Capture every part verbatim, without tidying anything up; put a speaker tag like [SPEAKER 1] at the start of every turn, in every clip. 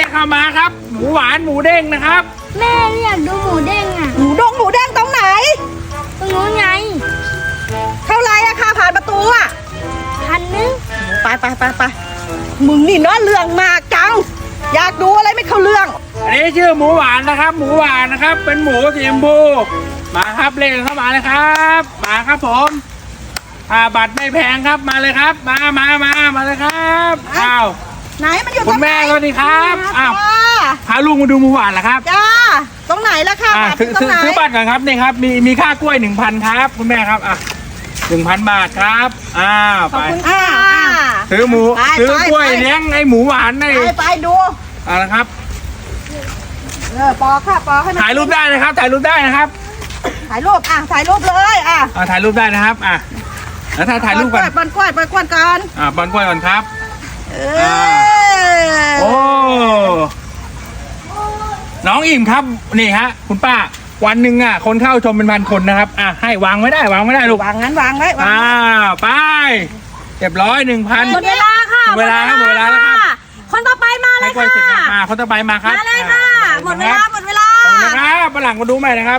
[SPEAKER 1] เข้ามาครับหมูหวานหมูเด้งนะครับ
[SPEAKER 2] แม่อยากดูหมูเด้งอ่ะ
[SPEAKER 3] หมูดงหมูเด้งตรงไหน
[SPEAKER 2] ตรงนู้นไง
[SPEAKER 3] เท่าไรอะค่ะผ่านประตูอะ
[SPEAKER 2] พันนึง
[SPEAKER 3] ไปไปไปไปมึงนี่เนาะเรื่องมากจังอยากดูอะไรไม่เข้าเรื่อง
[SPEAKER 1] อันนี้ชื่อหมูหวานนะครับ หมูหวานนะครับ เป็นหมูสีชมพูมาครับเล่นเข้ามาเลยครับมาครับผมอ่าบัตรไม่แพงครับมาเลยครับ มามามามาเลยครับอ้าว
[SPEAKER 3] ไหนมันอยู่ตรงไหน
[SPEAKER 1] คุณแม่สวัสดีครับอ้าวพาลุงมาดูหมูหวานเหรอครับ
[SPEAKER 3] จ้าตรงไหนล่ะค่ะ
[SPEAKER 1] ซื้อซื้อบัตรก่อนครับนี่ครับมีมีค่ากล้วยหนึ่งพันครับคุณแม่ครับอ่ะหนึ่งพันบาทครับอ้าวไปซื้อหมูซื้อกล้วยเลี้ยงไอหมูหวานนี่
[SPEAKER 3] ไปไปดู
[SPEAKER 1] เอาละครับ
[SPEAKER 3] เออปอค่ะปอให้
[SPEAKER 1] ถ่ายรูปได้นะครับถ่ายรูปได้นะครับ
[SPEAKER 3] ถ่ายรูปอ่ะถ่ายรูปเลยอ่ะ
[SPEAKER 1] อ่าถ่ายรูปได้นะครับอ่ะแล้วถ้าถ่ายรูปก่อน
[SPEAKER 3] ปอนกล้วยปอนกล้วยก่อน
[SPEAKER 1] อ่าปอนกล้วยก่อนครับ
[SPEAKER 3] เออ
[SPEAKER 1] โอ้น้องอิ่มครับนี่ฮะคุณป้าวันหนึ่งอ่ะคนเข้าชมเป็นพันคนนะครับอ่ะให้วางไว้ได้วางไม่ได้ลูก
[SPEAKER 3] วางงั้นวางไว้
[SPEAKER 1] อ่าไปเรียบร้อยหนึ่งพัน
[SPEAKER 2] หมดเวลาค่ะ
[SPEAKER 1] หมดเวลาครับหมดเวลาแล้วครับ
[SPEAKER 2] คนต่อไปมาเลยค่ะ
[SPEAKER 1] มาคนต่อไปมาครับ
[SPEAKER 2] มาเลยค่ะหมดเวลาหมดเวลา
[SPEAKER 1] นะครับฝรั่งมาดูใหม่นะครับ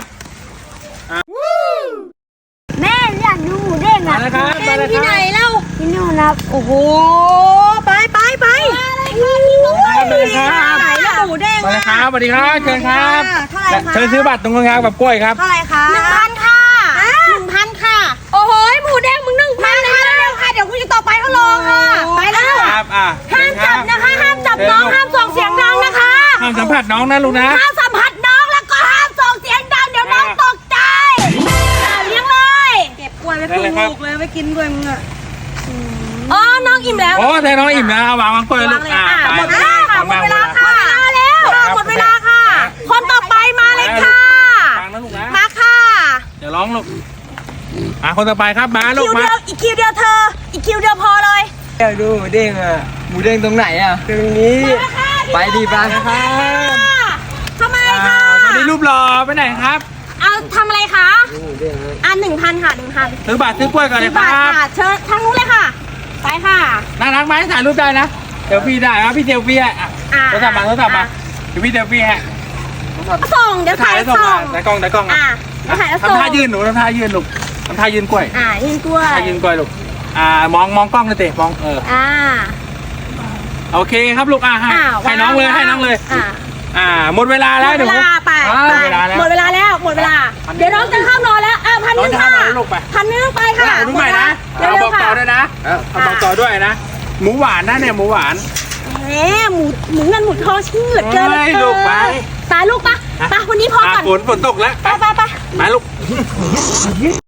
[SPEAKER 2] แม่อยากดูหมูเด้งอ่ะเป็นที่ไหนเล่าที่นู่นครับ
[SPEAKER 3] โอ้โหไปไปไป
[SPEAKER 1] มาเลยครับ
[SPEAKER 3] ไหนล่ะหมูเด้ง
[SPEAKER 1] มาเลยครับสวัสดีครับเชิญครับเชิญซื้อบัตรตรงกลางแบบกล้วยครับ
[SPEAKER 3] เท่าไหร่คะ
[SPEAKER 2] หนึ่งพันค่ะหนึ่งพันค่ะโอ้โหหมูเด้งมึงหนึ่งพันเลยเร็วค่ะเดี๋ยวคุณจะต่อไปเขารอค่ะไปแล้ว
[SPEAKER 1] ครับอ่ะ
[SPEAKER 2] ห้ามจับนะคะห้ามจับน้องห้ามส่งเสียงดังนะคะ
[SPEAKER 1] ห้ามสัมผัสน้องนะลูกนะ
[SPEAKER 2] ห้ามสัมผัสน้องแล้วก็ห้ามส่งเสียงดังเดี๋ยวน้องตกใจเลี้ยงเลย
[SPEAKER 3] เก็บกล้วยไว้ครึ่งลูกเลยไว้กินด้วยมึงอ่ะ
[SPEAKER 2] อ๋อน้องอิ่มแล้ว
[SPEAKER 1] โอ้แต่น้องอิ่มแล้ววางวางกล้วยลูกอ่ะ
[SPEAKER 2] หมดเวลาค่ะหมดเวลาค่ะแล้วหมดเวลาค่ะคนต่อไปมาเลยค่ะ
[SPEAKER 1] ฟังนะลูกนะ
[SPEAKER 2] มาค่ะ
[SPEAKER 1] เดี๋ยวร้องลูกอ่ะคนต่อไปครับมาลูกมา
[SPEAKER 2] อีกคิวเดียวเธออีกคิวเดียวพอเลย
[SPEAKER 4] อยากดูหมูเด้งอ่ะหมูเด้งตรงไหนอ่ะตรงนี้ไปดีบ้าง
[SPEAKER 1] นะครับ
[SPEAKER 2] ทำไมค่ะ
[SPEAKER 1] สวัสดีรูปหล่อไปไหนครับ
[SPEAKER 2] เอาทำอะไรคะอ่ะหนึ่งพันค่ะหนึ่งพัน
[SPEAKER 1] ซื้อบัตรซื้อกล้วยก่อนเลยครับ
[SPEAKER 2] เชิญทางนู้นเลยค่ะไปค่ะ
[SPEAKER 1] น่ารักไหมถ่ายรูปได้นะเซลฟี่ได้ครับพี่เซลฟี่อ่ะโทรศัพท์มาโทรศัพท์มาเดี๋ยวพี่เซลฟี่ฮะ
[SPEAKER 2] ส่งเดี๋ยวถ่ายส่ง
[SPEAKER 1] ถ่ายกล้องถ่ายกล้องอ่ะทำท่ายืนหนูทำท่ายืนลูกทำท่ายืนกล้วย
[SPEAKER 2] อ่ายืนกล้วย
[SPEAKER 1] ท่ายืนกล้วยลูกอ่ามองมองกล้องเลยเตะมองเออ
[SPEAKER 2] อ่า
[SPEAKER 1] โอเคครับลูกอ่ะให้ให้น้องเลยให้น้องเลยอ่าอ่าหมดเวลาแล้ว
[SPEAKER 2] หมดเวลาไปหมดเวลาแล้วหมดเวลาแล้วหมดเวลาเดี๋ยวน้องจะเข้านอนแล้วอ่ะพันนึงค่ะพันนึงไปค่ะ
[SPEAKER 1] ดูใหม่นะเอาบอกต่อด้วยนะเอาบอกต่อด้วยนะหมูหวานนะเนี่ยหมูหวาน
[SPEAKER 2] แหมหมูหมูเงินหมูทองชื่อเกินเลย
[SPEAKER 1] ลูกไป
[SPEAKER 2] ตาลูกปะปะวันนี้พอก่อน
[SPEAKER 1] ฝนฝนตกแล้ว
[SPEAKER 2] ไปไปไป
[SPEAKER 1] ไปลูก